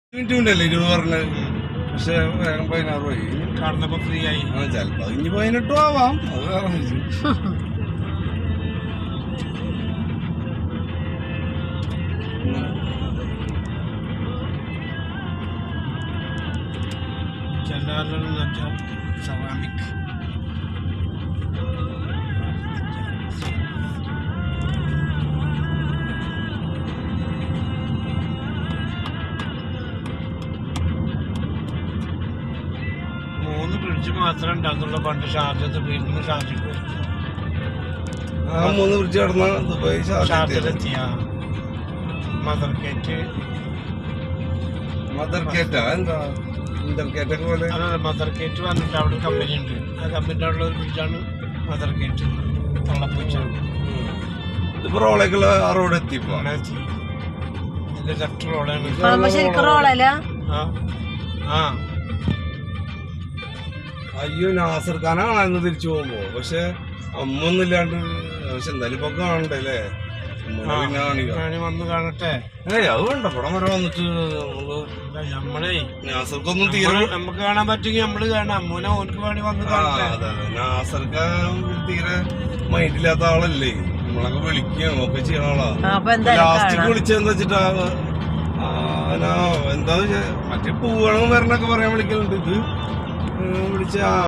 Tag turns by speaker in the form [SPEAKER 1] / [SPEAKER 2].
[SPEAKER 1] Minute 20 പറഞ്ഞത്. പക്ഷെ വേഗം 16 പോയി
[SPEAKER 2] കടന്നപ്പോ ഫ്രീ ആയി.
[SPEAKER 1] ചിലപ്പോ ഇനി 18 ആവാം. അത് വേറെ
[SPEAKER 2] സെറാമിക് ഫ്രിഡ്ജ് മാത്രമേ ഉണ്ടാകുന്നുള്ളൂ. പണ്ട് ഷാർജത്ത് വീട്ടിൽ ഷാർജക്ക്
[SPEAKER 1] 3 ഫ്രിഡ്ജ് കടന്ന ദുബായ്
[SPEAKER 2] ഷാർജയിലെത്തിയ മദർ കേറ്റ്
[SPEAKER 1] എന്താ ഇന്റർകേറ്റൊക്കെ പോലെ
[SPEAKER 2] മദർ കേറ്റ് വന്നിട്ട് അവിടെ ഒരു കമ്പനി ഉണ്ട്. ആ കമ്പനിയുടെ അവിടെ ഒരു ഫ്രിഡ്ജാണ് മദർ കേറ്റ്. തള്ളപ്പൂച്ച
[SPEAKER 1] ഇതിപ്പോ റോളേക്കുള്ള ആ റോഡ് എത്തിപ്പോ
[SPEAKER 2] ഇതിന്റെ ലെഫ്റ്റ് റോഡാണ്. ആ
[SPEAKER 1] അയ്യോ നാസർ ഖാനാണെന്ന് തിരിച്ചു പോകുമ്പോ. പക്ഷെ അമ്മൊന്നും ഇല്ലാണ്ട്. പക്ഷെ എന്തായാലും ഇപ്പൊ കാണണ്ടല്ലേ
[SPEAKER 2] വന്ന് കാണട്ടെ.
[SPEAKER 1] അത് വേണ്ട പടം വരെ വന്നിട്ട്
[SPEAKER 2] നമ്മളെ
[SPEAKER 1] നാസർക്കൊന്നും തീരെ
[SPEAKER 2] നമുക്ക് കാണാൻ പറ്റുമെങ്കിൽ നമ്മള് കാണാം. അമ്മൂനെ ഓർക്ക് വേണ്ടി വന്ന് കാണട്ടെ.
[SPEAKER 1] നാസർ ഖാൻ തീരെ മൈൻഡില്ലാത്ത ആളല്ലേ. നമ്മളൊക്കെ വിളിക്കുകയാണ് ഒക്കെ ചെയ്യണ ആളാ. ലാസ്റ്റിക്ക് വിളിച്ചെന്താ വെച്ചിട്ടാ എന്താ മറ്റേ പോവണം വരണൊക്കെ പറയാൻ വിളിക്കലുണ്ട്. ഇത് വിളിച്ച